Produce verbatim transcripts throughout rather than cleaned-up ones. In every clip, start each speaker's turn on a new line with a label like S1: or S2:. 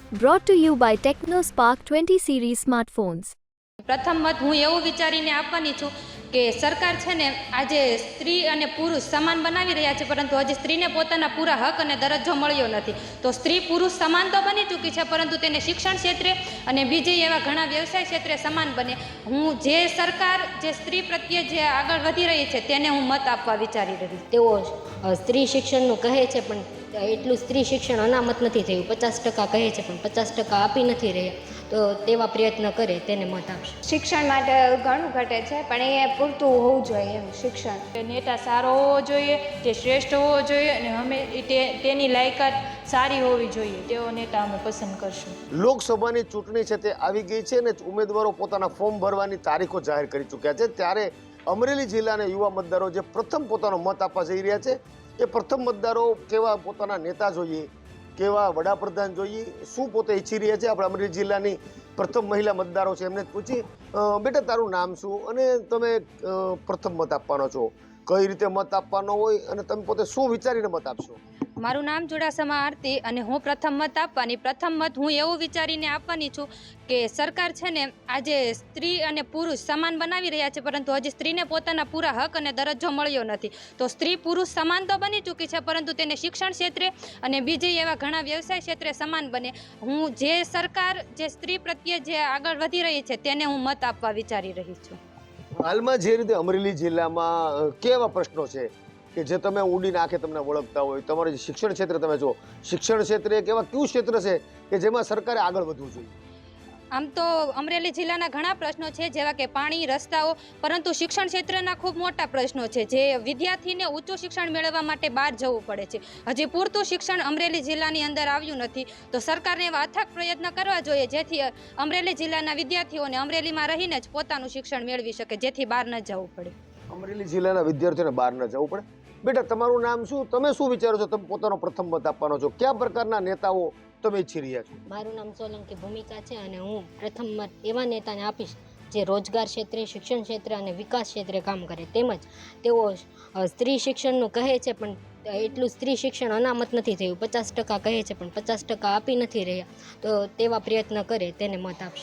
S1: Brought to you by TechnoSpark twenty series smartphones.
S2: પ્રથમ મત હું એવું વિચારીને આપવાની છું કે સરકાર છે ને આજે સ્ત્રી અને પુરુષ સમાન બનાવી રહ્યા છે, પરંતુ હજી સ્ત્રીને પોતાના પૂરા હક અને દરજ્જો મળ્યો નથી. તો સ્ત્રી પુરુષ સમાન તો બની ચૂકી છે, પરંતુ તેને શિક્ષણ ક્ષેત્રે અને બીજી એવા ઘણા વ્યવસાય ક્ષેત્રે સમાન બને. હું જે સરકાર જે સ્ત્રી પ્રત્યે જે આગળ વધી રહી છે તેને હું મત આપવા વિચારી રહી.
S3: તેઓ અ, સ્ત્રી શિક્ષણનું કહે છે, પણ એટલું સ્ત્રી શિક્ષણ અનામત નથી થયું. પચાસ ટકા કહે છે પણ પચાસ ટકા આપી નથી રહ્યા. તો તેવા પ્રયત્ન કરે તેને મત આપશે.
S4: શિક્ષણ માટે ઘણું ઘટે છે, પણ એ પૂરતું હોવું જોઈએ. એમ શિક્ષણ
S5: નેતા સારો હોવો જોઈએ, તે શ્રેષ્ઠ હોવો જોઈએ અને અમે તે તેની લાયકાત સારી હોવી જોઈએ. તેવો નેતા અમે પસંદ કરશું.
S6: લોકસભાની ચૂંટણી છે તે આવી ગઈ છે અને ઉમેદવારો પોતાના ફોર્મ ભરવાની તારીખો જાહેર કરી ચૂક્યા છે. ત્યારે અમરેલી જિલ્લાના યુવા મતદારો જે પ્રથમ પોતાનો મત આપવા જઈ રહ્યા છે, એ પ્રથમ મતદારો કેવા પોતાના નેતા જોઈએ, કેવા વડાપ્રધાન જોઈએ, શું પોતે ઈચ્છી રહ્યા છે. આપણે અમરેલી જિલ્લાની પ્રથમ મહિલા મતદારો છે એમને જ પૂછી, બેટા તારું નામ શું અને તમે પ્રથમ મત આપવાનો છો, કઈ રીતે મત આપવાનો હોય અને તમે પોતે શું વિચારીને મત આપશો?
S2: મારું નામ ચુડાસમા આરતી અને હું પ્રથમ મત આપવાની. પ્રથમ મત હું એવું વિચારીને આપવાની છું કે સરકાર છે ને આજે સ્ત્રી અને પુરુષ સમાન બનાવી રહ્યા છે, પરંતુ હજી સ્ત્રીને પોતાના પૂરા હક અને દરજ્જો મળ્યો નથી. તો સ્ત્રી પુરુષ સમાન તો બની ચૂકી છે, પરંતુ તેને શિક્ષણ ક્ષેત્રે અને બીજી એવા ઘણા વ્યવસાય ક્ષેત્રે સમાન બને. હું જે સરકાર જે સ્ત્રી પ્રત્યે જે આગળ વધી રહી છે તેને હું મત આપવા વિચારી રહી છું.
S6: હાલમાં જે રીતે અમરેલી જિલ્લામાં કેવા પ્રશ્નો છે કે જે તમે ઊંડી નાખે તમને ઓળખતા હોય, તમારું જે શિક્ષણ ક્ષેત્ર તમે જો શિક્ષણ ક્ષેત્રે એક એવા કયું ક્ષેત્ર છે કે જેમાં સરકારે આગળ વધવું જોઈએ?
S2: આમ તો અમરેલી જિલ્લાના ઘણા પ્રશ્નો છે, જેવા કે પાણી, રસ્તાઓ, પરંતુ શિક્ષણ ક્ષેત્રના ખૂબ મોટા પ્રશ્નો છે જે વિદ્યાર્થીને ઊંચું શિક્ષણ મેળવવા માટે બહાર જવું પડે છે. હજી પૂરતું શિક્ષણ અમરેલી જિલ્લાની અંદર આવ્યું નથી. તો સરકારને એવા અથાગ પ્રયત્ન કરવા જોઈએ જેથી અમરેલી જિલ્લાના વિદ્યાર્થીઓને અમરેલીમાં રહીને જ પોતાનું શિક્ષણ મેળવી શકે, જેથી બહાર ન જવું પડે.
S6: અમરેલી જિલ્લાના વિદ્યાર્થીઓને બહાર ન જવું પડે. બેટા તમારું નામ શું, તમે શું વિચારો છો, તમે પોતાનો પ્રથમ મત આપવાનો છો, કયા પ્રકારના નેતાઓ તમે ઈચ્છી રહ્યા છો?
S3: મારું નામ સોલંકી ભૂમિકા છે અને હું પ્રથમ મત એવા નેતાને આપીશ જે રોજગાર ક્ષેત્રે, શિક્ષણ ક્ષેત્રે અને વિકાસ ક્ષેત્રે કામ કરે. તેમજ તેઓ અ, સ્ત્રી શિક્ષણનું કહે છે, પણ એટલું સ્ત્રી શિક્ષણ અનામત નથી થયું. પચાસ ટકા કહે છે પણ પચાસ ટકા આપી નથી રહ્યા. તો તેવા પ્રયત્ન કરે તેને મત આપશે.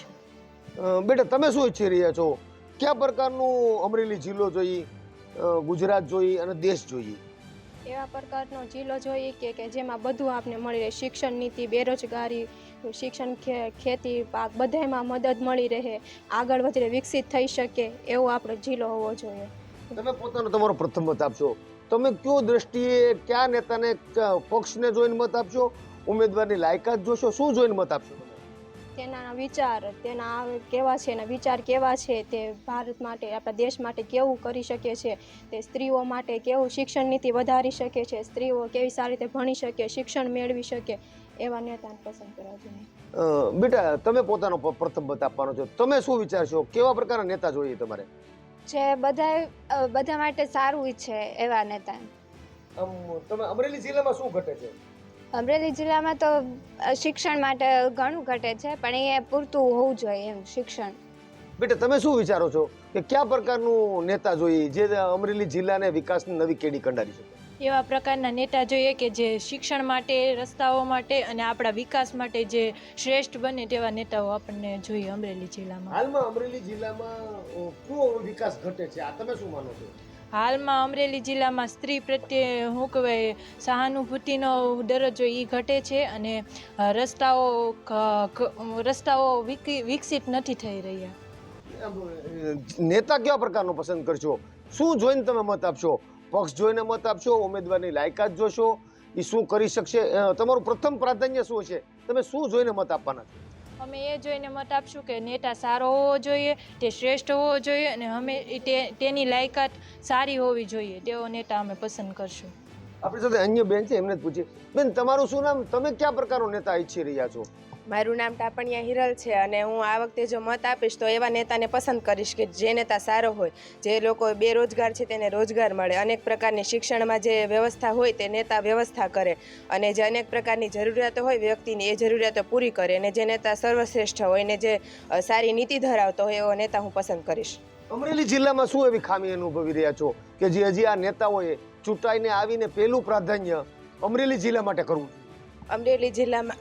S6: બેટા તમે શું ઈચ્છી રહ્યા છો, કયા પ્રકારનું અમરેલી જિલ્લો જોઈએ, ગુજરાત જોઈએ અને દેશ જોઈએ?
S4: એવા પ્રકારનો જિલ્લો જોઈએ કે કે જેમાં બધું આપને મળી રહે. શિક્ષણ નીતિ, બેરોજગારી, શિક્ષણ, ખેતી, પાક બધામાં મદદ મળી રહે, આગળ વધીને વિકસિત થઈ શકે એવો આપણો જિલ્લો હોવો જોઈએ.
S6: તમે પોતાનો તમારો પ્રથમ મત આપશો, તમે કયો દ્રષ્ટિએ કયા નેતાને, પક્ષને જોઈને મત આપશો, ઉમેદવારની લાયકાત જોશો, શું જોઈને મત આપશો?
S4: તેના વિચાર, તેના કેવા છે, એના વિચાર કેવા છે, તે ભારત માટે, આપણા દેશ માટે કેવું કરી શકે છે, તે સ્ત્રીઓ માટે કેવું શિક્ષણ નીતિ વધારી શકે છે, સ્ત્રીઓ કેવી સારી રીતે ભણી શકે, શિક્ષણ મેળવી શકે, એવા નેતાને પસંદ કરવા જોઈએ.
S6: બેટા તમે પોતાનો પ્રથમ મત આપવાનો છો, તમે શું વિચારશો, કેવા પ્રકારના નેતા જોઈએ તમારે?
S4: જે બધા બધા માટે સારું ઈચ્છે એવા નેતા.
S6: તમે અમરેલી જિલ્લામાં શું ઘટે છે?
S4: અમરેલી જિલ્લામાં તો શિક્ષણ માટે ઘણું ઘટે છે, પણ એ પૂરતું હોવું જોઈએ. એમ શિક્ષણ.
S6: બેટા તમે શું વિચારો છો કે કયા પ્રકારનું નેતા જોઈએ જે અમરેલી જિલ્લાને વિકાસની નવી કેડી કંડારી શકે?
S5: એવા પ્રકારના નેતા જોઈએ કે જે શિક્ષણ માટે, રસ્તાઓ માટે અને આપણા વિકાસ માટે જે શ્રેષ્ઠ બને તેવા નેતાઓ આપણને જોઈએ અમરેલી જિલ્લામાં.
S6: હાલમાં અમરેલી જિલ્લામાં કયો વિકાસ ઘટે છે, આ તમે શું માનો છો?
S5: હાલમાં અમરેલી જિલ્લામાં સ્ત્રી પ્રત્યે શું કહેવાય સહાનુભૂતિનો દરજ્જો એ ઘટે છે અને રસ્તાઓ રસ્તાઓ વિકસિત નથી થઈ રહ્યા.
S6: નેતા કેવા પ્રકારનો પસંદ કરશો, શું જોઈને તમે મત આપશો? પક્ષ જોઈને મત આપશો, ઉમેદવારની લાયકાત જોશો, એ શું કરી શકશે, તમારું પ્રથમ પ્રાધાન્ય શું છે, તમે શું જોઈને મત આપવાના છો?
S5: અમે એ જોઈને મત આપશું કે નેતા સારો હોવો જોઈએ, તે શ્રેષ્ઠ હોવો જોઈએ અને અમે તેની લાયકાત સારી હોવી જોઈએ. તેવો નેતા અમે પસંદ કરશું.
S6: આપણી સાથે અન્ય બેન છે, એમને જ પૂછીએ. બેન તમારું શું નામ, તમે કયા પ્રકારનો નેતા ઈચ્છી રહ્યા છો?
S7: મારું નામ ટાપણિયા હિરલ છે અને હું આ વખતે જો મત આપીશ તો એવા નેતાને પસંદ કરીશ કે જે નેતા સારો હોય, જે લોકો બેરોજગાર છે તેને રોજગાર મળે, અનેક પ્રકારની શિક્ષણમાં જે વ્યવસ્થા હોય તે નેતા વ્યવસ્થા કરે અને જે અનેક પ્રકારની જરૂરિયાતો હોય વ્યક્તિની એ જરૂરિયાતો પૂરી કરે અને જે નેતા સર્વશ્રેષ્ઠ હોય ને જે સારી નીતિ ધરાવતો હોય એવો નેતા હું પસંદ કરીશ.
S6: અમરેલી જિલ્લામાં શું એવી ખામી અનુભવી રહ્યા છો કે જે હજી આ નેતાઓએ ચૂંટાઈને આવીને પહેલું પ્રાધાન્ય અમરેલી જિલ્લા માટે કરવું?
S7: અમરેલી જિલ્લામાં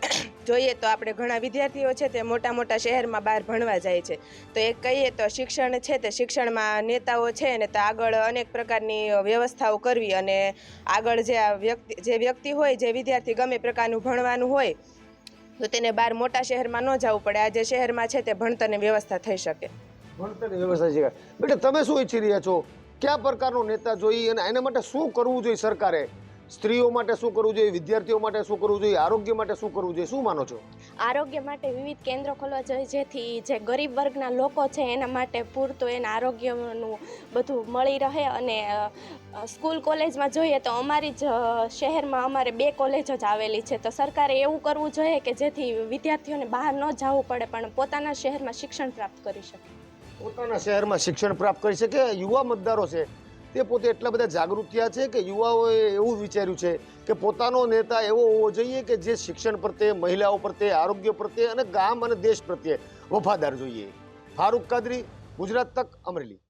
S7: જોઈએ તો આપણે ઘણા વિદ્યાર્થીઓ છે તે મોટા મોટા શહેરમાં બહાર ભણવા જાય છે. તો એક કહીએ તો શિક્ષણ છે તે શિક્ષણમાં નેતાઓ છે ને તો આગળ અનેક પ્રકારની વ્યવસ્થાઓ કરવી અને આગળ જે આ વ્યક્તિ જે વ્યક્તિ હોય જે વિદ્યાર્થી ગમે પ્રકારનું ભણવાનું હોય તો તેને બહાર મોટા શહેરમાં ન જવું પડે. આ જે શહેરમાં છે તે ભણતરની વ્યવસ્થા થઈ શકે.
S6: ભણતરની વ્યવસ્થા છે. બેટા તમે શું ઈચ્છી રહ્યા છો? કયા પ્રકારનો નેતા જોઈએ અને એના માટે શું કરવું જોઈએ સરકારે? સ્ત્રીઓ માટે શું કરવું જોઈએ, વિદ્યાર્થીઓ માટે શું કરવું જોઈએ, આરોગ્ય માટે શું કરવું જોઈએ, શું માનો છો?
S4: આરોગ્ય માટે વિવિધ કેન્દ્રો ખોલવા જોઈએ જેથી જે ગરીબ વર્ગના લોકો છે એના માટે પૂરતું એના આરોગ્યનું બધું મળી રહે. અને સ્કૂલ કોલેજમાં જોઈએ તો અમારી જ શહેરમાં અમારે બે કોલેજ જ આવેલી છે. તો સરકારે એવું કરવું જોઈએ કે જેથી વિદ્યાર્થીઓને બહાર ન જવું પડે પણ પોતાના શહેરમાં શિક્ષણ પ્રાપ્ત કરી શકે.
S6: પોતાના શહેરમાં શિક્ષણ પ્રાપ્ત કરી શકે. યુવા મતદારો છે તે પોતે એટલા બધા જાગૃત થયા છે કે યુવાઓએ એવું વિચાર્યું છે કે પોતાનો નેતા એવો હોવો જોઈએ કે જે શિક્ષણ પ્રત્યે, મહિલાઓ પ્રત્યે, આરોગ્ય પ્રત્યે અને ગામ અને દેશ પ્રત્યે વફાદાર જોઈએ. ફારૂક કાદરી, ગુજરાત તક, અમરેલી.